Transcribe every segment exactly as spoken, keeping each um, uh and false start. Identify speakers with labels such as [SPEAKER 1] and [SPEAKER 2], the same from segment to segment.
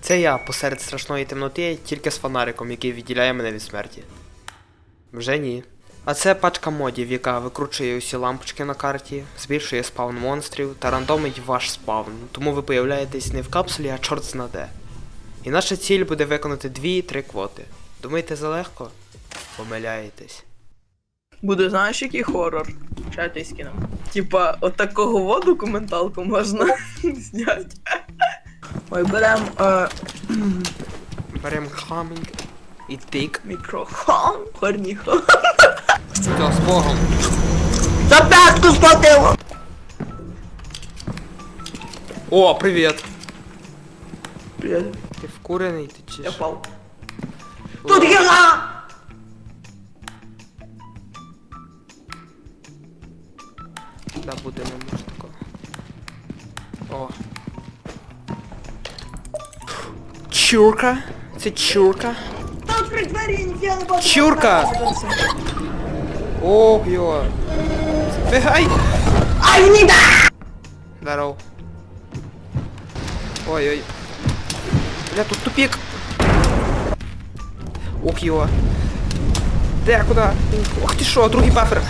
[SPEAKER 1] Це я посеред страшної темноти, тільки з фонариком, який відділяє мене від смерті. Вже ні. А це пачка модів, яка викручує усі лампочки на карті, збільшує спавн монстрів та рандомить ваш спавн, тому ви появляєтесь не в капсулі, а чорт зна де. І наша ціль буде виконати дві-три квоти. Думаєте, залегко? Помиляєтесь.
[SPEAKER 2] Буде, знаєш, який хорор? Чайте скинем. Типа, от такого воду документалку можна зняти. Ой, берем е...
[SPEAKER 1] Берем хамінг і тик.
[SPEAKER 2] мікрофон, хорніхо.
[SPEAKER 1] Все, з Богом.
[SPEAKER 2] За п'ятку схватило!
[SPEAKER 1] О, привіт!
[SPEAKER 2] Привіт.
[SPEAKER 1] Ти вкурений, ти чи
[SPEAKER 2] Я
[SPEAKER 1] що?
[SPEAKER 2] впав. Тут гіга!
[SPEAKER 1] Да, буде не може такого. О. Чурка? Це чурка?
[SPEAKER 2] Там при двері я ніфіга не бачу.
[SPEAKER 1] Чурка! Ох, йо. Бігай!
[SPEAKER 2] Ай, не да!
[SPEAKER 1] Здоров. Ой-ой. Бля, тут тупик. Ох, йо. Де, куда? Ох ти шо, другий бафер.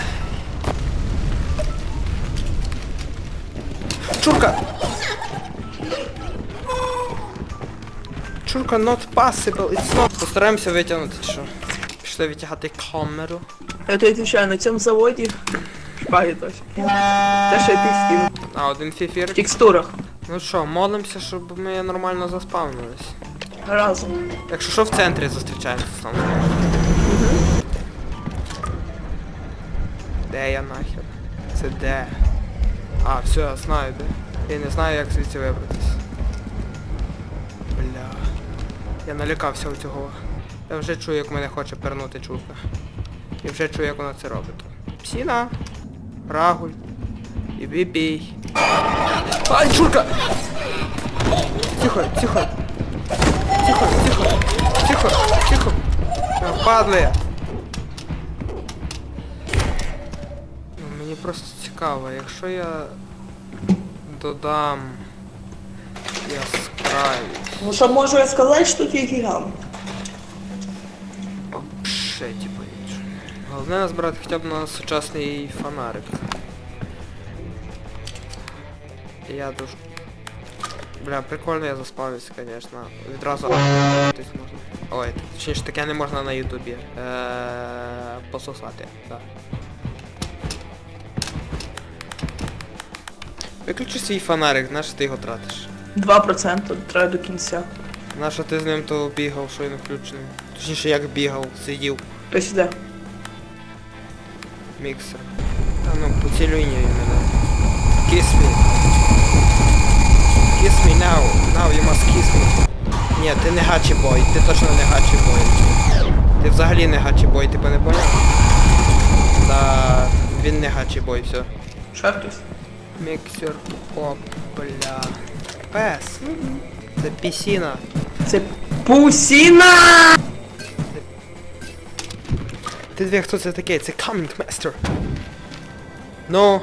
[SPEAKER 1] Чурка! Чурка not possible, it's not. Постараємося витягнути, чи що? Пішли витягати камеру.
[SPEAKER 2] Я тобі відвічаю, на цьому заводі шпаги точно. Те, що я ти скину.
[SPEAKER 1] А, один
[SPEAKER 2] В
[SPEAKER 1] фіфір.
[SPEAKER 2] текстурах.
[SPEAKER 1] Ну що, молимося, щоб ми нормально заспавнились.
[SPEAKER 2] Разом.
[SPEAKER 1] Якщо що, в центрі зустрічаємося сам. Де я нахер? Це де? А, все, я знаю де. Я не знаю, як звідси вибратись. Бля. Я налякався у цього. Я вже чую, як мене хоче пернути чурка. І вже чую, як вона це робить. Псіна. Рагуль. І бібій. Ай, чурка! Тихо, тихо. Тихо, тихо. Тихо, тихо. Падли. Ну, мені просто цікаво, якщо я додам яскравість.
[SPEAKER 2] Ну що можу я сказати, що тут є гігант?
[SPEAKER 1] Вообще, типа, нічого. Головне назбирати хоча б на сучасний фонарик. Я дуже... Бля, прикольно я заспавився, конечно. Відразу а**тись можна. Ой, точніше таке не можна на ютубі. Е-е, пососати, так. Виключи свій фонарик, на що ти його тратиш?
[SPEAKER 2] два проценти треба до кінця.
[SPEAKER 1] На що ти з ним то бігав, що він включений? Точніше як бігав, сидів.
[SPEAKER 2] То сюди.
[SPEAKER 1] Міксер. Та ну, поцілюй мене. Kiss me. Kiss me now. Now you must kiss me. Ні, ти не гачі бой, ти точно не гачі бой. Ти взагалі не гачі бой, ти не поняв? Та він не гачі бой, все.
[SPEAKER 2] Ще хтось?
[SPEAKER 1] Міксер. О, бля. Пес. Це пісіна.
[SPEAKER 2] Це пусіна!
[SPEAKER 1] Ти дві, хто це такий? Це Coming Master. Ну.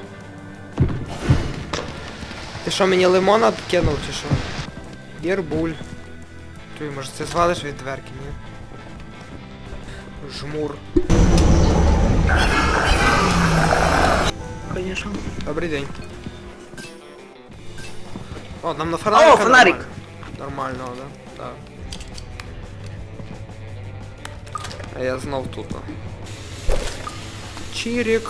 [SPEAKER 1] Ти що, мені лимона кинув чи що? Єрбуль. Чуй, може це звалиш від дверки, ні? Жмур.
[SPEAKER 2] Конечно.
[SPEAKER 1] Добрий день. О, нам на фонарик.
[SPEAKER 2] О, фонарик!
[SPEAKER 1] Нормально, да? Так. А я знов тут. Чирик.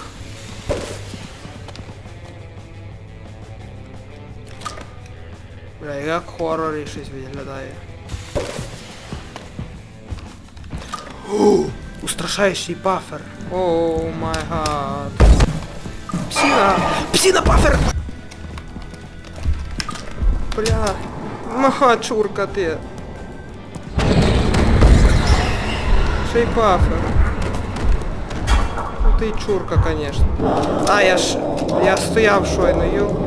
[SPEAKER 1] Бля, як хорорі щось виглядає. О, устрашаючий бафер. О май гад. Псина! Псина бафер! Бля. Мага, чурка ти. Ще й бафер. Ну ти й чурка, конечно. А, я ж... Я стояв щойно, йо.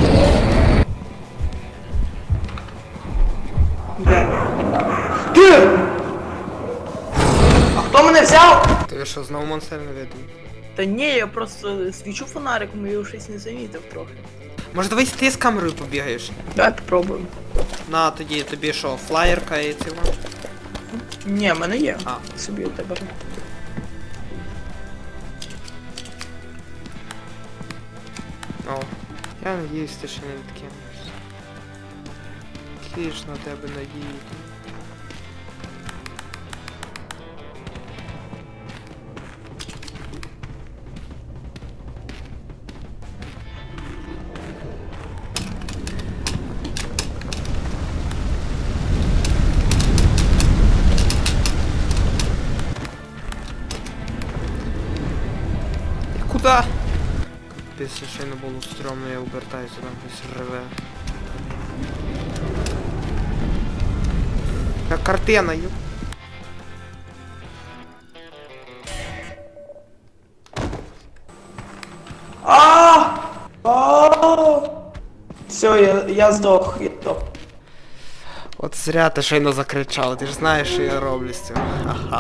[SPEAKER 2] Ти! А хто мене взяв?
[SPEAKER 1] Ти що, знову монстр не видно?
[SPEAKER 2] Та ні, я просто свічу фонариком і його щось не замітив трохи.
[SPEAKER 1] Може давай ти з камерою побігаєш?
[SPEAKER 2] Давай попробуємо.
[SPEAKER 1] На тоді тобі що, флаєрка і ціла?
[SPEAKER 2] Ні, в мене є.
[SPEAKER 1] А.
[SPEAKER 2] Собі у тебе.
[SPEAKER 1] О, я надіюсь, ти ще не відкинешся. Які ж на тебе надії. Куда? Після ще не було стрьомно, я обертаюся, там щось реве. Як картина, ю.
[SPEAKER 2] А! А! Все, я, я здох, я здох.
[SPEAKER 1] От зря ти щойно закричав, ти ж знаєш, що я роблю з цим. Ха-ха.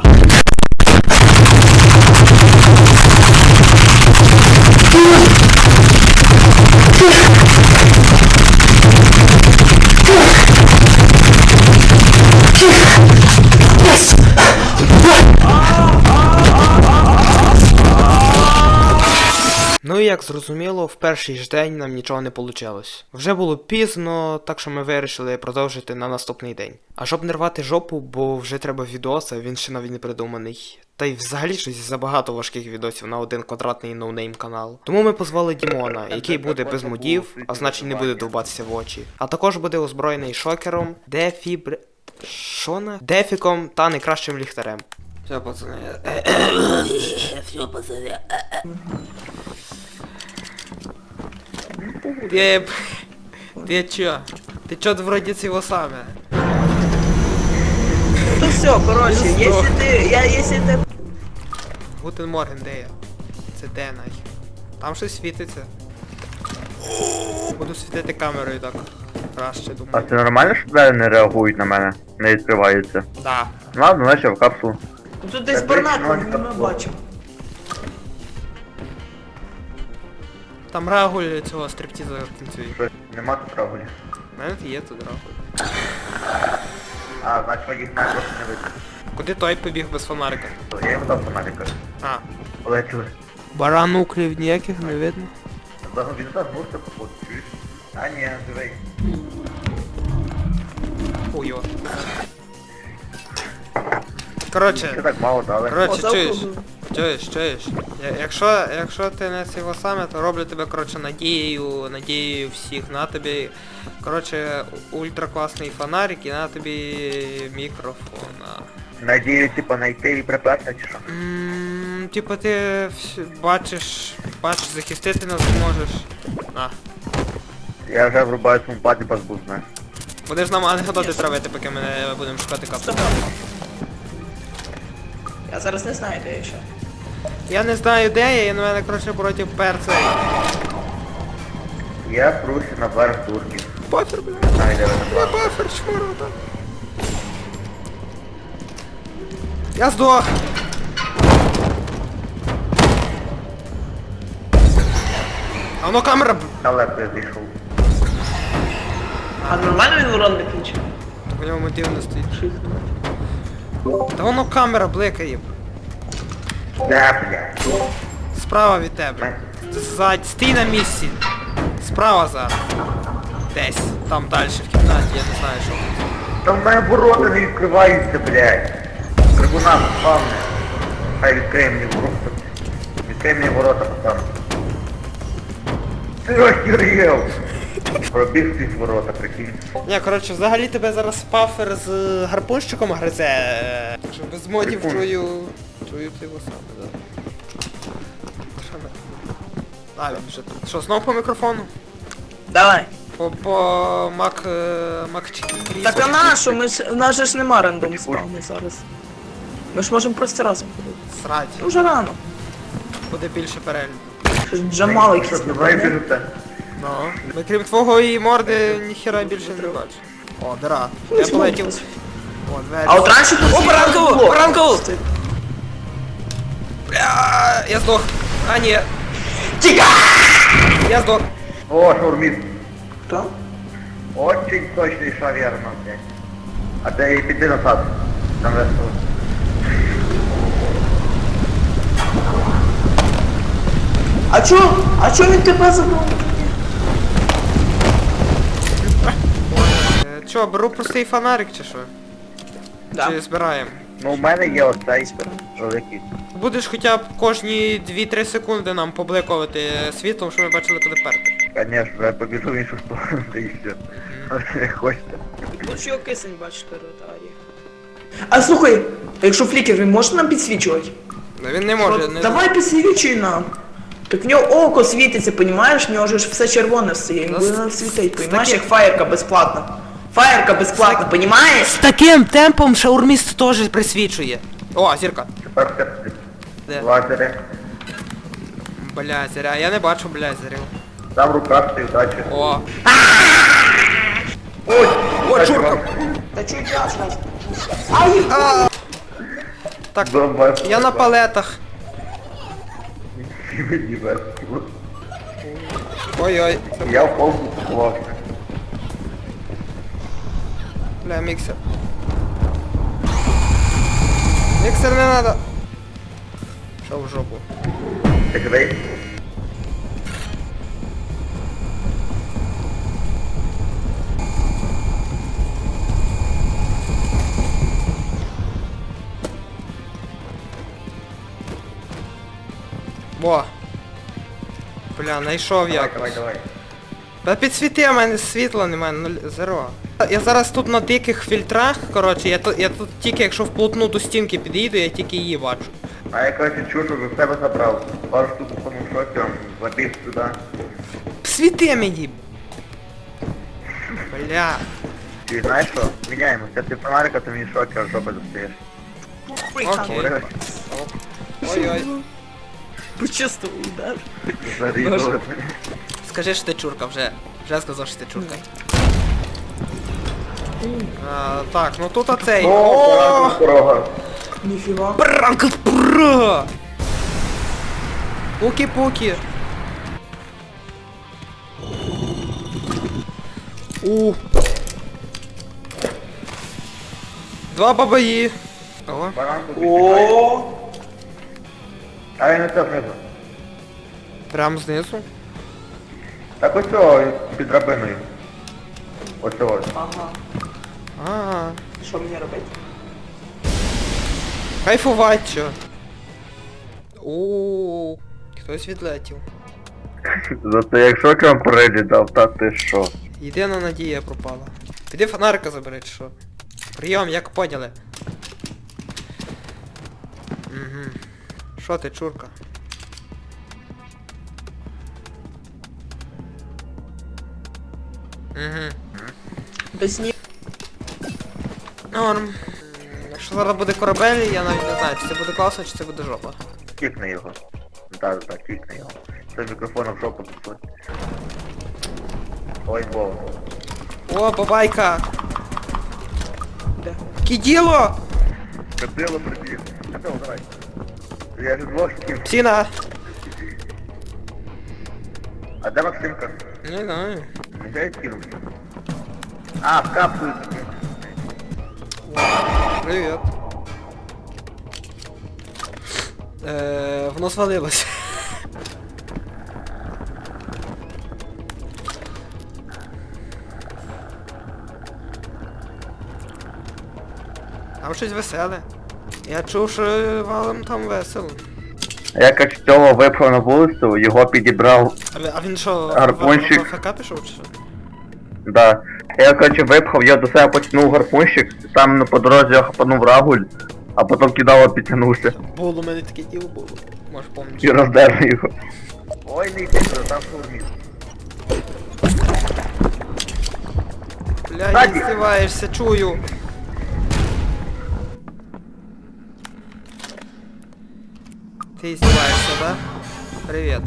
[SPEAKER 1] Ну і як зрозуміло, в перший ж день нам нічого не вийшло. Вже було пізно, так що ми вирішили продовжити на наступний день. А щоб не рвати жопу, бо вже треба відос, а він ще навіть не придуманий. Та й взагалі щось забагато важких відосів на один квадратний ноунейм канал. Тому ми позвали Дімона, який буде без модів, а значить не буде довбатися в очі. А також буде озброєний шокером, дефібр... Що на? Дефіком та найкращим ліхтарем. Все, пацани. Все, пацани. Ты... Ты чё? Ты чё вроде всего саме?
[SPEAKER 2] Ну все, короче, если ты, я, если ты...
[SPEAKER 1] Гутен Морген, де я? Це де нахер? Там щось світиться. Буду світити камерою так. Краще,
[SPEAKER 3] А
[SPEAKER 1] думаю.
[SPEAKER 3] це нормально, що двері не реагують на мене? Не відкриваються?
[SPEAKER 1] Да.
[SPEAKER 3] Ладно, значить я в капсулу.
[SPEAKER 2] Тут десь
[SPEAKER 3] Та
[SPEAKER 2] барнак,
[SPEAKER 3] десь
[SPEAKER 2] ми
[SPEAKER 3] ноль
[SPEAKER 2] не бачимо.
[SPEAKER 1] Там Рагуль цього стриптіза танцює.
[SPEAKER 3] Щось нема тут рагулі.
[SPEAKER 1] У мене є тут Рагуль.
[SPEAKER 3] А, значить моїх знак просто не видно.
[SPEAKER 1] Куди той побіг без фонарика?
[SPEAKER 3] Я йому дав фонарика.
[SPEAKER 1] А.
[SPEAKER 3] Полетіли.
[SPEAKER 1] Барануклів ніяких не видно.
[SPEAKER 3] Загалом він так мурся походу, чуєш? А ні, живий.
[SPEAKER 1] Хуйо.
[SPEAKER 3] Ще
[SPEAKER 1] Коротше,
[SPEAKER 3] так мало дали.
[SPEAKER 1] коротше,
[SPEAKER 2] О,
[SPEAKER 1] чуєш?
[SPEAKER 2] завтра.
[SPEAKER 1] Чуєш, чуєш? Я- Якщо, якщо ти не цього саме, то роблю тебе, коротше, надією, надією всіх. На тобі, коротше, ультра класний фонарик і на тобі мікрофон. а.
[SPEAKER 3] Надію, типа, знайти і приперти, чи що?
[SPEAKER 1] М, Типа ти вс- бачиш, бачиш, захистити нас зможеш. На.
[SPEAKER 3] Я вже врубаю своєму паді базбу, знаєш.
[SPEAKER 1] Будеш нам анекдоти травити, поки ми не будемо шукати капсулу.
[SPEAKER 2] Стоп. Я зараз не знаю, де я ще.
[SPEAKER 1] Я не знаю де я, і на мене, коротше, проти перця.
[SPEAKER 3] Я пруся на верх турків.
[SPEAKER 1] Пофір, бля.
[SPEAKER 3] Не знаю, де вони
[SPEAKER 1] Я
[SPEAKER 3] були.
[SPEAKER 1] бафер, чмуру, так. Я здох. А воно камера... б-
[SPEAKER 3] Далеко я зійшов.
[SPEAKER 2] А нормально він урон не включив?
[SPEAKER 1] Так у нього мотив не стоїть. Та воно камера бликає.
[SPEAKER 3] Да, блядь.
[SPEAKER 1] Справа від тебе. Ззадь, стій на місці. Справа зараз. Десь. Там далі в кімнаті, я не знаю що.
[SPEAKER 3] Там в мене ворота не відкриваються, блядь. Трибунал спавне. Хай відкриє мені ворота. Відкрий мені ворота, пацан. Ти охерел! Пробіг ці ворота, прикинь.
[SPEAKER 1] Ні, коротше, взагалі тебе зараз пафер з гарпунщиком гризе. Так що без модів
[SPEAKER 3] Прикольно.
[SPEAKER 1] чую... Чую ти його саме, да. Що не? А, він вже тут. Що, знов по мікрофону?
[SPEAKER 2] Давай.
[SPEAKER 1] По, по Мак... е, Мак Чікі.
[SPEAKER 2] Так а на що? Ми ж, у нас же ж нема рандом спавни зараз. Ми ж можемо просто разом ходити.
[SPEAKER 1] Срать.
[SPEAKER 2] Ну вже рано.
[SPEAKER 1] Буде більше перегляду.
[SPEAKER 2] Щось Джамал якийсь
[SPEAKER 3] Що,
[SPEAKER 2] не
[SPEAKER 3] давай
[SPEAKER 2] буде.
[SPEAKER 3] біжите.
[SPEAKER 1] Ну. Ми крім твого і морди, ніхера більше не бачу. О, дира. Я полетів. О, двері.
[SPEAKER 2] А от раніше тут...
[SPEAKER 1] О, баранку!
[SPEAKER 2] було.
[SPEAKER 1] Баранку! Бля, я здох. А, ні.
[SPEAKER 2] Тіка!
[SPEAKER 1] Я здох.
[SPEAKER 3] О, шаурміст.
[SPEAKER 2] Хто?
[SPEAKER 3] Очень точный шаверма, блядь. А ты піди назад. Там весело.
[SPEAKER 2] А чо? А чо він тебе забрав?
[SPEAKER 1] Е, Чо, беру простий фонарик чи що?
[SPEAKER 2] Да.
[SPEAKER 1] Чи збираємо?
[SPEAKER 3] Ну, у мене є оцей великий.
[SPEAKER 1] Будеш хоча б кожні дві-три секунди нам побликувати світлом, щоб ми бачили, куди перти.
[SPEAKER 3] Конечно, я побіжу в іншу сторону, та і все. Не хочете.
[SPEAKER 2] Лучше його кисень бачиш перетарі. А слухай, а якщо флікер, він може нам підсвічувати?
[SPEAKER 1] Ну він не може,
[SPEAKER 2] Що,
[SPEAKER 1] не...
[SPEAKER 2] Давай підсвічуй нам. Так в нього око світиться, понімаєш? В нього ж все червоне все, він
[SPEAKER 1] Ну,
[SPEAKER 2] буде
[SPEAKER 1] з-
[SPEAKER 2] нам світить,
[SPEAKER 1] з
[SPEAKER 2] понімаєш,
[SPEAKER 1] таким-
[SPEAKER 2] як фаєрка безплатна. Фаєрка безплатна, понімаєш?
[SPEAKER 1] З таким темпом шаурміст теж присвічує. О, зірка.
[SPEAKER 3] Тепер все.
[SPEAKER 1] Де?
[SPEAKER 3] Лазери.
[SPEAKER 1] Бля, зіря, я не бачу, бля, зірю.
[SPEAKER 3] Там рука стоїть, удачі.
[SPEAKER 1] О.
[SPEAKER 3] Ой,
[SPEAKER 1] О, чурка.
[SPEAKER 2] Та чуть ясно. Ай!
[SPEAKER 1] А! Так,
[SPEAKER 3] Зомба.
[SPEAKER 1] я на палетах.
[SPEAKER 3] Мені весело.
[SPEAKER 1] Ой-ой.
[SPEAKER 3] Я в полку склався.
[SPEAKER 1] Бля, міксер. Міксер не надо. Що в жопу?
[SPEAKER 3] Ти куди?
[SPEAKER 1] Во. Бля, знайшов
[SPEAKER 3] Давай,
[SPEAKER 1] як.
[SPEAKER 3] давай, давай.
[SPEAKER 1] Та підсвіти, у мене світла немає, нуль, зеро. Я зараз тут на диких фільтрах, коротше, я тут, я тут тільки якщо вплотну до стінки підійду, я тільки її бачу.
[SPEAKER 3] А я, короче, чушу, за себе забрав. Пару штук у самому шокі, забіг сюди.
[SPEAKER 1] Світи мені! Бля.
[SPEAKER 3] Ти знаєш що? Міняємося. Ти фонарика, ти мені шокер жопи достаєш.
[SPEAKER 1] Окей.
[SPEAKER 3] Говориш?
[SPEAKER 1] Ой-ой.
[SPEAKER 2] Почувствував удар.
[SPEAKER 3] Зарізали.
[SPEAKER 1] Скажи, що ти чурка вже. Вже сказав, що ти чурка. А, так, ну тут оцей.
[SPEAKER 3] О,
[SPEAKER 1] О!
[SPEAKER 3] дорога.
[SPEAKER 2] Ніфіга.
[SPEAKER 1] Бранка пра! Пуки-пуки. У. Два бабаї. О.
[SPEAKER 3] Баранку підбігає.
[SPEAKER 2] О,
[SPEAKER 3] А він оце знизу.
[SPEAKER 1] Прям знизу.
[SPEAKER 3] Так ось цього під драбиною. Ось цього.
[SPEAKER 2] ага.
[SPEAKER 1] А.
[SPEAKER 2] Що мені робити?
[SPEAKER 1] Кайфувать чо. У. Хтось відлетів.
[SPEAKER 3] Зато як шокером перелітав, та ти що?
[SPEAKER 1] Єдина надія пропала. Піди фонарика забери, чи що. Прийом, як поняли. Угу. Що ти, чурка? Угу.
[SPEAKER 2] Без ні.
[SPEAKER 1] Норм. М, Якщо зараз буде корабель, я навіть не знаю, чи це буде класно, чи це буде жопа.
[SPEAKER 3] Кікни його. Так, так, кікни його. Це мікрофон в жопу засунь. Ой, Вова.
[SPEAKER 1] О, бабайка!
[SPEAKER 2] Де?
[SPEAKER 1] Киділо!
[SPEAKER 3] Кадило прибіг. Кадило, давай. Я ж двох ків.
[SPEAKER 1] Псіна!
[SPEAKER 3] А де Максимка?
[SPEAKER 1] Не знаю.
[SPEAKER 3] Нехай кинувся. А, в капсулу.
[SPEAKER 1] Привет. Е, воно свалилось. Там щось веселе. Я чув, що валом там весело.
[SPEAKER 3] Я як цього випхав на вулицю, його підібрав,
[SPEAKER 1] А, ви- а він що,
[SPEAKER 3] Гарпунчик.
[SPEAKER 1] в АФК пішов чи що?
[SPEAKER 3] да. Я, короче, випхав, я до себе потягнув гарпунщик, там по дорозі я хапанув рагуль, а потім кидало, підтягнувся.
[SPEAKER 1] Було, у мене таке діло було. Може
[SPEAKER 3] І
[SPEAKER 1] помниш.
[SPEAKER 3] роздерли його. Ой, не йди, там шурміс.
[SPEAKER 1] Бля,
[SPEAKER 3] Ззаді.
[SPEAKER 1] не здіваєшся, чую. Ты издеваешься, да? Привет.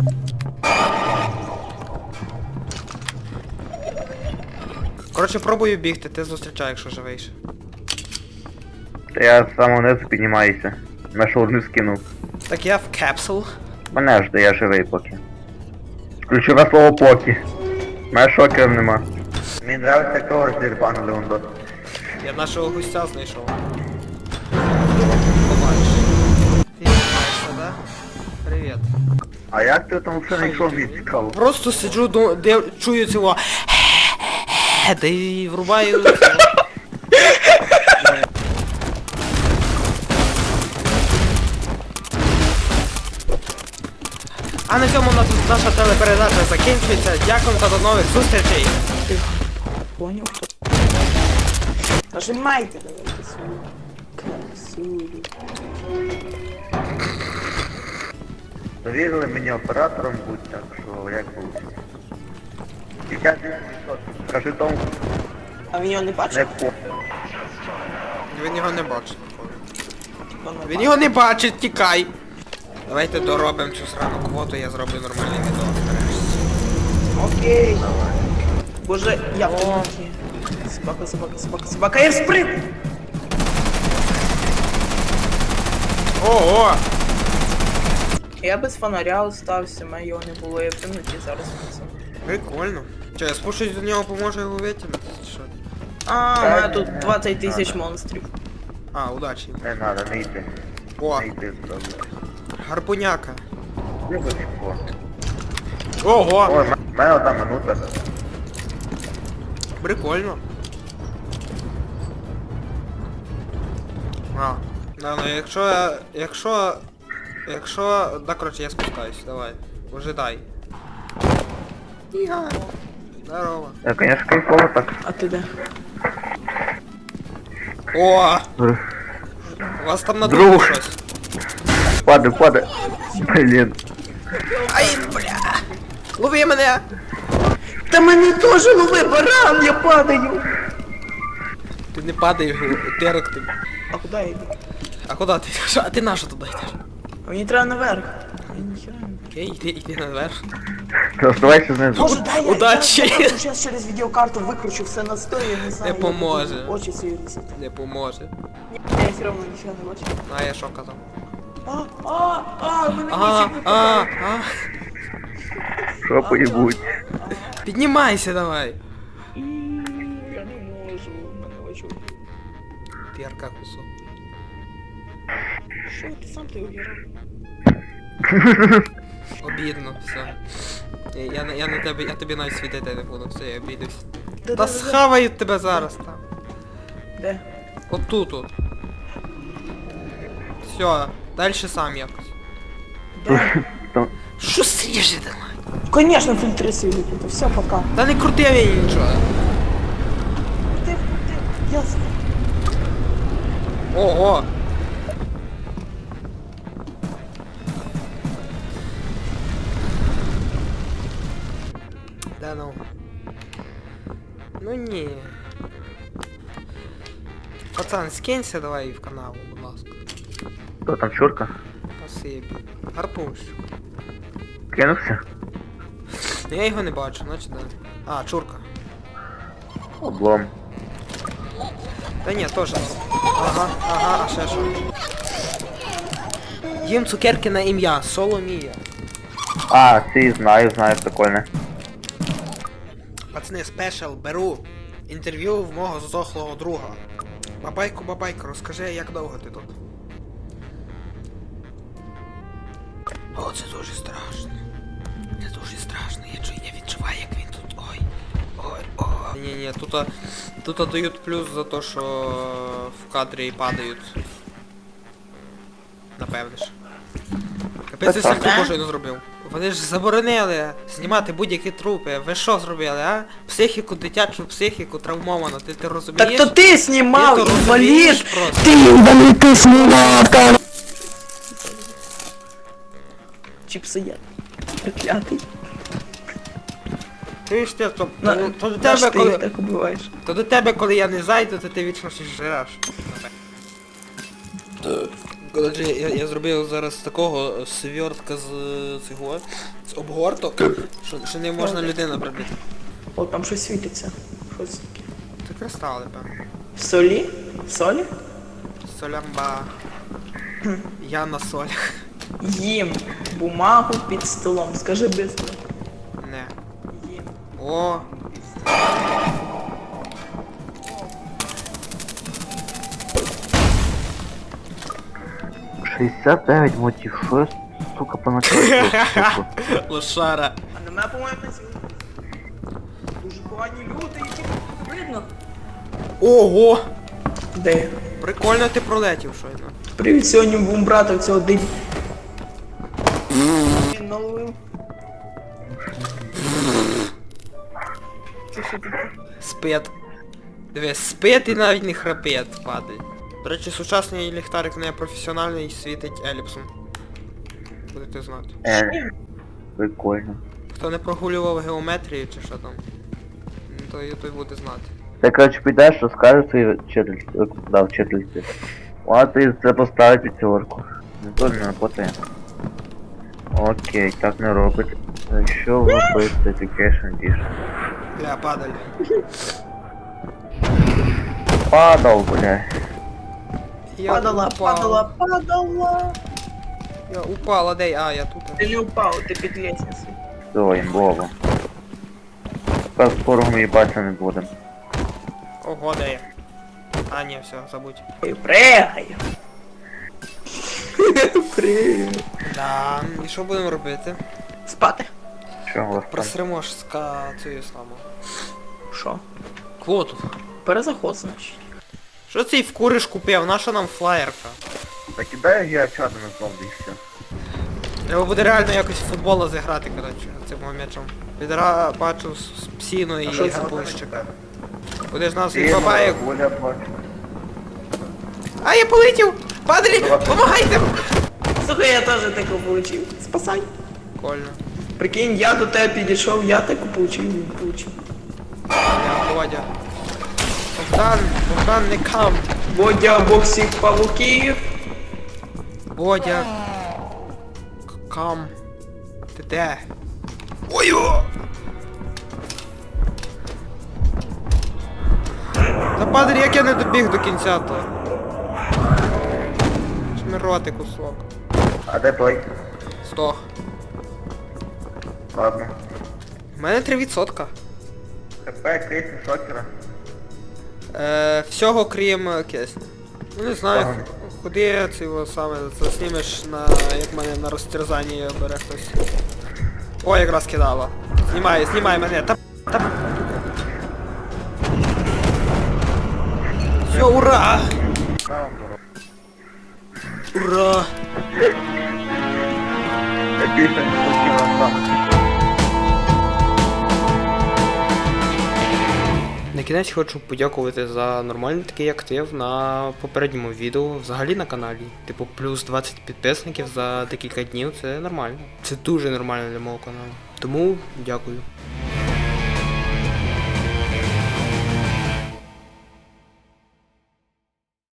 [SPEAKER 1] Коротше, пробую бігти, ти зустрічай, якщо живеш.
[SPEAKER 3] Та я з самого низу піднімаюся. На шаурму скинув.
[SPEAKER 1] Так я в капсул.
[SPEAKER 3] Мене ж, де я живий поки. Ключове слово поки. Мене шокерів нема. Мені нравиться, як того роздірбанули он дот.
[SPEAKER 1] Я нашого гостя знайшов. Побачиш. Ти знаєшся, да? Привіт.
[SPEAKER 3] А як ти там все знайшов, мені цікаво?
[SPEAKER 1] Просто сиджу, ду- де чую цього. Да і врубаю цього. А на цьому у нас наша телепередача закінчується. Дякую та до нових зустрічей.
[SPEAKER 2] Понял, хто? Нажимайте, давайте свою красиву.
[SPEAKER 3] Довірили мені оператором будь, так що як буде? п'ятдесят відсотків. Скажи тому,
[SPEAKER 2] А він його не
[SPEAKER 3] не
[SPEAKER 2] бачив?
[SPEAKER 3] по.
[SPEAKER 1] Він його не бачить.
[SPEAKER 2] Хто не
[SPEAKER 1] Він
[SPEAKER 2] бачив?
[SPEAKER 1] його не бачить, тікай. Давайте доробимо цю срану квоту, я зроблю нормальний відео нарешті.
[SPEAKER 2] Окей. Боже, я в темноті. Собака, собака, собака, собака, я спрыг!
[SPEAKER 1] Ого!
[SPEAKER 2] Я без фонаря остався, мене його не було, я в темноті зараз внизу.
[SPEAKER 1] Прикольно. Че, я спущусь до нього, поможу його витягнути? чи Що?
[SPEAKER 2] А, у мене тут двадцять тисяч монстрів.
[SPEAKER 1] А, удачі.
[SPEAKER 3] Не надо, не йти.
[SPEAKER 1] О,
[SPEAKER 3] Не йти зразу.
[SPEAKER 1] гарпуняка.
[SPEAKER 3] Вибачко.
[SPEAKER 1] Ого!
[SPEAKER 3] Ой, в мене одна минута.
[SPEAKER 1] Прикольно. А, ну, ну якщо я... Якщо... Якщо... Да, короче, я спускаюсь, давай. Ожидай. Іга. Здорово.
[SPEAKER 3] Я, конечно, кайфово так.
[SPEAKER 2] А ти де?
[SPEAKER 1] О! У вас там на
[SPEAKER 3] Друг.
[SPEAKER 1] другу щось.
[SPEAKER 3] Падай, падай. Блін.
[SPEAKER 1] Ай, бля! Лови мене!
[SPEAKER 2] Та мене теж лови, баран, я падаю!
[SPEAKER 1] Ти не падаєш, терок ти.
[SPEAKER 2] А куди я йду?
[SPEAKER 1] А куди ти йдеш? А ти на що туди йдеш?
[SPEAKER 2] А мені треба наверх. Я ніхера не...
[SPEAKER 1] Окей, йди, йди наверх.
[SPEAKER 3] Ти оставайся знизу.
[SPEAKER 2] Боже, дай я,
[SPEAKER 1] Удачі.
[SPEAKER 2] я, я зараз через відеокарту викручу все на сто, я не знаю.
[SPEAKER 1] Не
[SPEAKER 2] я
[SPEAKER 1] поможе.
[SPEAKER 2] буду Очі свої різати.
[SPEAKER 1] Не поможе.
[SPEAKER 2] Ні, я все одно нічого не бачу.
[SPEAKER 1] А я що казав?
[SPEAKER 2] А, а, а, мене
[SPEAKER 1] А,
[SPEAKER 2] нічого не
[SPEAKER 1] а,
[SPEAKER 2] падає.
[SPEAKER 1] а.
[SPEAKER 3] Що поїбуть?
[SPEAKER 1] Піднімайся давай.
[SPEAKER 2] І, Я не можу, мене очі.
[SPEAKER 1] Терка кусок.
[SPEAKER 2] Що ти сам ти угірав?
[SPEAKER 1] Обідно, все. Я, я, на- я на тебе, я тобі навіть світити не буду, все, я обідусь.
[SPEAKER 2] Де,
[SPEAKER 1] Та
[SPEAKER 2] де, де,
[SPEAKER 1] схавають тебе зараз там.
[SPEAKER 2] Де?
[SPEAKER 1] Отут от. Все, далі сам якось.
[SPEAKER 2] Де?
[SPEAKER 1] Що сріжи давай?
[SPEAKER 2] Конечно, фильтры сыли, все, пока.
[SPEAKER 1] Та не крути мені нічого.
[SPEAKER 2] Ты, ты, ясно.
[SPEAKER 1] Ого! Да ну. Ну ні. Пацан, скинься давай в канал, будь ласка.
[SPEAKER 3] Хто там, чурка?
[SPEAKER 1] Спасибі. Гарпуш.
[SPEAKER 3] Кинувся?
[SPEAKER 1] Я його не бачу, значить да. А, чурка.
[SPEAKER 3] Облом.
[SPEAKER 1] Та ні, теж. Ага, ага, а ще що? Їм цукерки на ім'я, Соломія.
[SPEAKER 3] А, ці знаю, знаю, прикольне.
[SPEAKER 1] Пацани, спешл, беру інтерв'ю в мого здохлого друга. Бабайко, бабайко, розкажи, як довго ти тут? О, це дуже страшно. Це дуже страшно. Я чую, я відчуваю, як він тут. Ой. Ой, ой. Ні, ні, тут, тут дають плюс за те, що в кадрі падають. Напевне ж. Капець, я сам не зробив. Вони ж заборонили знімати будь-які трупи. Ви що зробили, а? Психіку, дитячу психіку травмовано, ти, ти розумієш?
[SPEAKER 2] Так то ты снимал,
[SPEAKER 1] Ти то розумієш
[SPEAKER 2] инвалид!
[SPEAKER 1] просто?
[SPEAKER 2] Ты инвалид, ты снимал! Чипсы я. Проклятый.
[SPEAKER 1] Ти ж ти, то,
[SPEAKER 2] На,
[SPEAKER 1] то, то до
[SPEAKER 2] наш
[SPEAKER 1] тебе,
[SPEAKER 2] ты их
[SPEAKER 1] коли,
[SPEAKER 2] так убиваешь.
[SPEAKER 1] то до тебе, коли я не зайду, то ти вічно щось жреш. Коротше, я, я зробив зараз такого свертка з цього, з обгорток, що, що не можна людина пробити.
[SPEAKER 2] О, там щось світиться. Щось таке.
[SPEAKER 1] Це кристали, певно.
[SPEAKER 2] В солі? В солі?
[SPEAKER 1] Солямба. Я на солях.
[SPEAKER 2] Їм бумагу під столом. Скажи быстро.
[SPEAKER 1] Не.
[SPEAKER 2] Їм.
[SPEAKER 1] О!
[SPEAKER 3] шістдесят дев'ять мотив, що я, сука, поначалу?
[SPEAKER 1] Лошара.
[SPEAKER 2] А на мене, по-моєму, не сіли. Дуже погані люди, які видно.
[SPEAKER 1] Ого!
[SPEAKER 2] Де?
[SPEAKER 1] Прикольно ти пролетів щойно.
[SPEAKER 2] Привіт, сьогодні будемо брати цього дим. Він наловив. Це що таке?
[SPEAKER 1] Спит. Дивись, спит і навіть не храпить, падає. До речі, сучасний ліхтарик не професіональний, світить еліпсом. Будете знати.
[SPEAKER 3] Е, прикольно.
[SPEAKER 1] Хто не прогулював геометрію чи що там, то і той буде знати.
[SPEAKER 3] Ти, коротше, підеш, розкажеш своїй вчительці, да, вчительці. Вона ти це поставить п'ятерку. Не то не напотає. Окей, так не робить. А що робити Education Edition?
[SPEAKER 1] Бля, падаль.
[SPEAKER 3] Падал, бля.
[SPEAKER 1] Я
[SPEAKER 2] Падала,
[SPEAKER 1] упав.
[SPEAKER 2] падала, падала.
[SPEAKER 1] Я упала, де я? А, я тут.
[SPEAKER 2] Ти не упав, ти під лестницею.
[SPEAKER 3] Все, імбово. Тепер скоро ми їбатися не будемо.
[SPEAKER 1] Ого, де я? А, ні, все, забудь.
[SPEAKER 2] Ой, пригай. Пригай.
[SPEAKER 1] Да, і що будемо робити?
[SPEAKER 2] Спати.
[SPEAKER 3] Що у вас там?
[SPEAKER 1] Просремо ж ска цю саму.
[SPEAKER 2] Що?
[SPEAKER 1] Квоту.
[SPEAKER 2] Перезаход, значить.
[SPEAKER 1] Що цей вкуриш купив? Наша нам флаєрка?
[SPEAKER 3] Так кидай я чати на знову і все.
[SPEAKER 1] Треба буде реально якось в футбол зіграти, коротше, цим м'ячом. Відра бачу з з псіну і
[SPEAKER 2] А що це?
[SPEAKER 1] гарбузчика. Будеш нас
[SPEAKER 3] Ти,
[SPEAKER 1] від бабаєк.
[SPEAKER 3] Оля, бачу.
[SPEAKER 1] А, я полетів! Падалі! Помагайте!
[SPEAKER 2] Слухай, я теж таку получив. Спасай.
[SPEAKER 1] Прикольно.
[SPEAKER 2] Прикинь, я до тебе підійшов, я таку получив, він получив.
[SPEAKER 1] Я Бодя. Богдан, Богдан, не кам.
[SPEAKER 2] Бодя, бог всіх павуків.
[SPEAKER 1] Бодя. К- Кам. Ти де? Ой-о! Та падаль, як я не добіг до кінця то. Шмироти кусок.
[SPEAKER 3] А де той?
[SPEAKER 1] Здох.
[SPEAKER 3] Ладно.
[SPEAKER 1] У мене три відсотка.
[SPEAKER 3] ХП, крейси, шокера.
[SPEAKER 1] Е, всього крім е, кисня. Ну не знаю,
[SPEAKER 3] Ага.
[SPEAKER 1] х- куди це його саме заснімеш на, як мене на розтерзанні бере хтось. О, якраз кидала. Знімай, знімай мене. Та, та... Все, ура!
[SPEAKER 3] На вам дорогу.
[SPEAKER 1] Ура!
[SPEAKER 3] Я більше не хотів сам.
[SPEAKER 1] На кінець хочу подякувати за нормальний такий актив на попередньому відео, взагалі на каналі. Типу, плюс двадцять підписників за декілька днів, це нормально. Це дуже нормально для мого каналу. Тому дякую.